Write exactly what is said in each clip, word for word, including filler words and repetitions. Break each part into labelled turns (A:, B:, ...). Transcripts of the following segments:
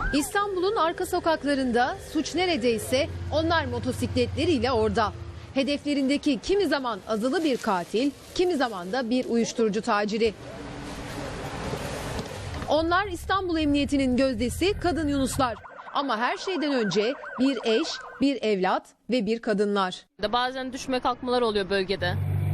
A: İstanbul'un arka sokaklarında suç neredeyse onlar motosikletleriyle orada. Hedeflerindeki kimi zaman azılı bir katil, kimi zaman da bir uyuşturucu taciri. Onlar İstanbul Emniyeti'nin gözdesi kadın Yunuslar. Ama her şeyden önce bir eş, bir evlat ve bir kadınlar.
B: Bazen düşme kalkmalar oluyor bölgede.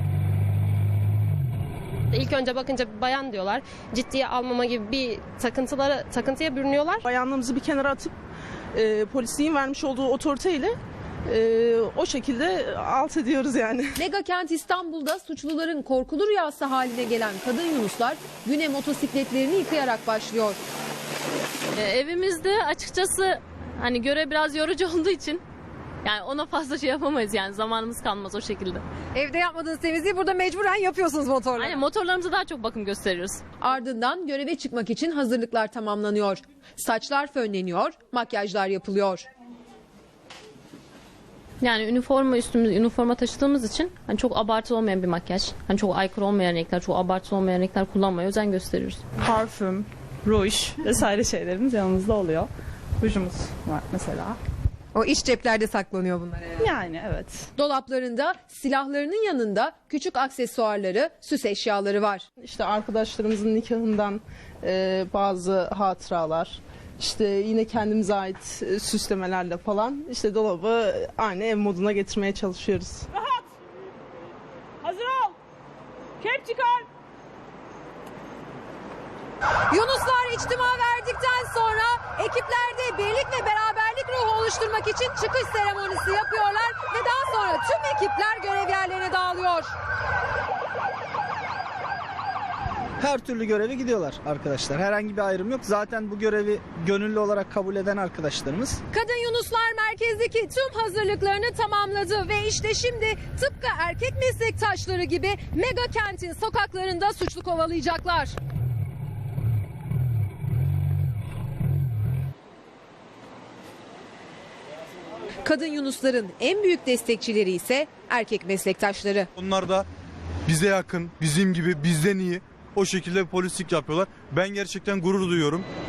C: İlk önce bakınca bayan diyorlar. Ciddiye almama gibi bir takıntılara, takıntıya bürünüyorlar.
D: Bayanlığımızı bir kenara atıp e, polisliğin vermiş olduğu otoriteyle e, o şekilde alt ediyoruz yani.
A: Mega kent İstanbul'da suçluların korkulu rüyası haline gelen kadın Yunuslar güne motosikletlerini yıkayarak başlıyor.
B: Ee, evimizde açıkçası hani görev biraz yorucu olduğu için yani ona fazla şey yapamayız, yani zamanımız kalmaz o şekilde.
A: Evde yapmadığınız temizliği burada mecburen yapıyorsunuz motorla.
B: Hani motorlarımıza daha çok bakım gösteriyoruz.
A: Ardından göreve çıkmak için hazırlıklar tamamlanıyor. Saçlar fönleniyor, makyajlar yapılıyor.
B: Yani üniforma üstümüz, üniforma taşıdığımız için hani çok abartılı olmayan bir makyaj, hani çok aykırı olmayan renkler, çok abartılı olmayan renkler kullanmaya özen gösteriyoruz.
E: Parfüm, ruj vesaire şeylerimiz yanımızda oluyor. Rujumuz var mesela.
A: O iç ceplerde saklanıyor bunlar herhalde.
E: Yani evet.
A: Dolaplarında silahlarının yanında küçük aksesuarları, süs eşyaları var.
D: İşte arkadaşlarımızın nikahından e, bazı hatıralar, işte yine kendimize ait e, süslemelerle falan işte dolabı aynı ev moduna getirmeye çalışıyoruz.
F: Rahat. Hazır ol. Kep çıkar.
A: Yunuslar içtima verdikten sonra ekiplerde birlik ve beraberlik ruhu oluşturmak için çıkış seremonisi yapıyorlar ve daha sonra tüm ekipler görev yerlerine dağılıyor.
G: Her türlü göreve gidiyorlar arkadaşlar. Herhangi bir ayrım yok. Zaten bu görevi gönüllü olarak kabul eden arkadaşlarımız.
A: Kadın Yunuslar merkezdeki tüm hazırlıklarını tamamladı ve işte şimdi tıpkı erkek meslektaşları gibi mega kentin sokaklarında suçlu kovalayacaklar. Kadın Yunusların en büyük destekçileri ise erkek meslektaşları.
H: Onlar da bize yakın, bizim gibi, bizden iyi o şekilde polislik yapıyorlar. Ben gerçekten gurur duyuyorum.